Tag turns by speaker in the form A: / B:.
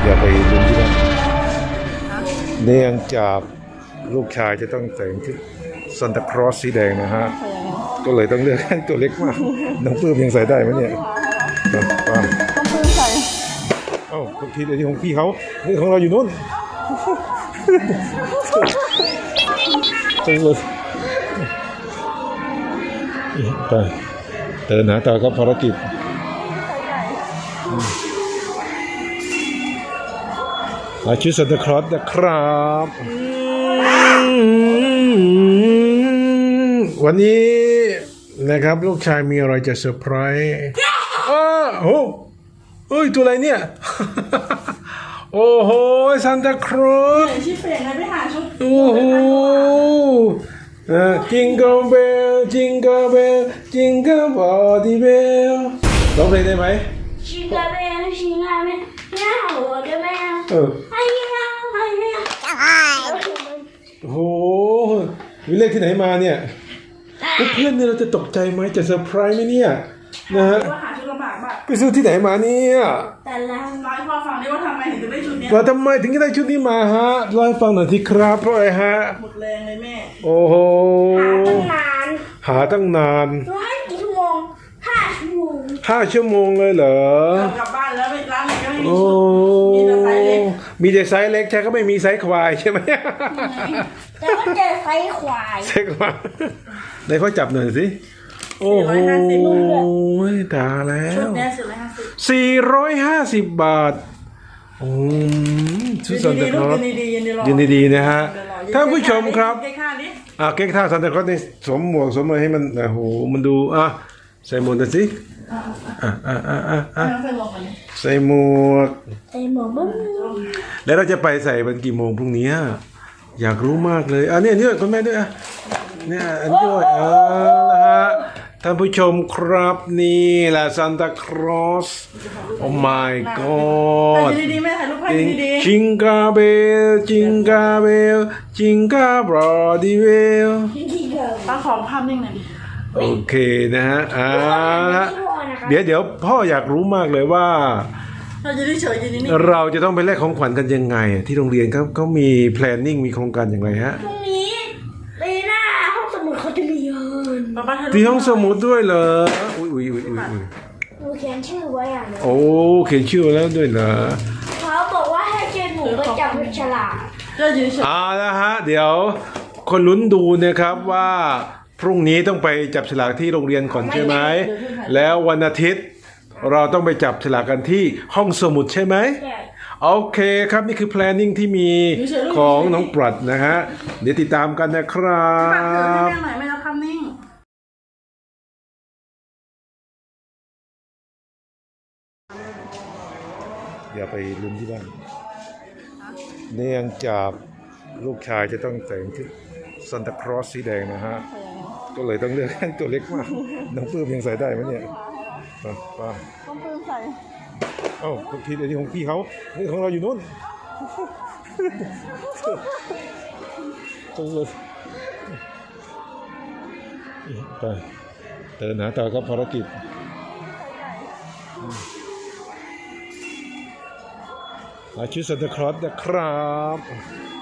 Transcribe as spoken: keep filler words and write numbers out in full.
A: อย่าไปลุ้นที่นั่นเนื่องจากลูกชายจะต้องแต่งชุดซานตาคลอสสีแดงนะฮะก็เลยต้องเลือกให้ตัวเล็กมากน้องปื้มยังใส่ได้ไหมเนี่ยป้า
B: ต้องปื้มใส่
A: เอ้าทุกทีเดี๋ยวที่ของพี่เขานี่ของเราอยู่นู้นจังเลยไปเดินหาต่อครับภารกิจมาชุดซานตาคลอสนะครับวันนี้นะครับลูกชายมีอะไรจะเซอร์ไพรส์อ้าวโอ้เอ้ยตัวอะไรเนี่ยโอ้โหซานตาคลอส
B: ชิเฟ่งไปหาชุด
A: โอ้โหจิงเกิลเบลจิงเกิลเบลจิงเกิลบอดี้เบลร้องเพลงได้ไหม
C: จิงเกิลเบลจิงเกิลเบลย่าหัวเกิลเบล
A: เออ
C: ไอ้ย่าไอ้ย่า
A: โอ้โหวิเลขที่ไหนมาเนี่ยเพื่อนเนี่ยเราจะตกใจไหมจะเซอร์ไพรส์ไหมเนี่ยนะฮะ
B: หาชุดลำบากมาก
A: ไปซื้อที่ไหนมาเนี่ย
C: แต่ละ
B: ร้อยพอฟังได้ว่าทำไมถึงจะได้ชุดนี้
A: ว่าทำไมถึงจะได้ชุดนี้มาฮะเล่าให้ฟังหน่อยสิครับเพราะอะไรฮะ
B: หมดแรงเลยแม่
A: โอ้โห
C: หาตั้งนาน
A: หาตั้งนาน
C: ร้อยกี่ชั่วโมงห้าชั่วโมง
A: ห้าชั่วโมงเลยเหร
B: อกลับบ้านแล้วร้านไหนก็ไม่มี
A: ชุด
B: มีแต่ไซส์เล็ก
A: มีแต่ไซส์เล็กใช่ก็ไม่มีไซส์ควายใช่ไหม
C: แต่ว่าเจอไซส์ควาย
A: ไซส์ควายไหนเขาจับหน่อยสิโอ้โหตายแล้วสี่ร้อยห้าสิบบาทโอ้ชุดซานตาคลอสยินดีๆนะฮะท่านผู้ชมครับอ่ะเก๊กท่าซานตาคลอสนี่สวมหมวกสวมอะไรให้มันโอ้โหมันดูอ่ะใส่หมวกหน่อยสิอ่ะอ่ะอ่ะอ่ะอ่ะใส่หมวก
C: ใส่หมวกบ้าง
A: แล้วเราจะไปใส่วันกี่โมงพรุ่งนี้อยากรู้มากเลยอ่ะเนี่ยเนี่ยคุณแม่ด้วยอ่ะเนี่ยอันด้วยอ่าละฮะท่านผู้ชมครับนี่แหละซานตาคลอสโอ้ my god
B: ดีๆแม่ถ่ายรูปให้ดี
A: ๆจิงกาเบลจิงกาเบลจิงกาบรอดีเบล
B: ป้าขอภาพนิ่งหน่อยดิ
A: โอเคนะฮะอ่าเดี๋ยวเดี๋ยวพ่ออยากรู้มากเลยว่า
B: เราจะได้เฉยๆนิด
A: ๆเราจะต้องไปแลกของขวัญกันยังไงที่โรงเรียนเขาเขามี planning มีโครงการอย่างไรฮะ
C: พรุ่งนี้ปีหน้าห้องสมุดเขาจะมีเงิน
A: ที่ห้องสมุดด้วยเหรออุ้ยอุ้ยอุ้ยอุ้ย
C: หนูเขียนชื่อไว้อ่ะ
A: โอ้เขียนชื่อแล้วด้วยเหรอ
C: เขาบอกว่าให้เจนหนูไปจับฉลาก
A: อ่านะฮะเดี๋ยวคนลุ้นดูนะครับว่าพรุ่งนี้ต้องไปจับฉลากที่โรงเรียนก่อนใช่ไหมแล้ววันอาทิตย์เราต้องไปจับฉลากกันที่ห้องสมุดใช่ไหมโอเคครับนี่คือ planning ที่มีของน้องปรัดนะฮะเดี๋ยวติดตามกันนะครับ
B: ไม่รับคำนิ่ง
A: อย่าไปลุ้นที่บ้านเนื่องจากลูกชายจะต้องแต่งชุดซานตาคลอสสีแดงนะฮะก็เลยต้องเลือกให้ตัวเล็กมากน้องปื้มยังใส่ได้ไหมเนี่ยป้า
B: ต้องปื้มใส่
A: เอ้าทุกทีเดี๋ยวที่ของพี่เขานี่ของเราอยู่นู้นจังเลยไปเดินหาต่อครับภารกิจมาชุดซานตาคลอสนะครับ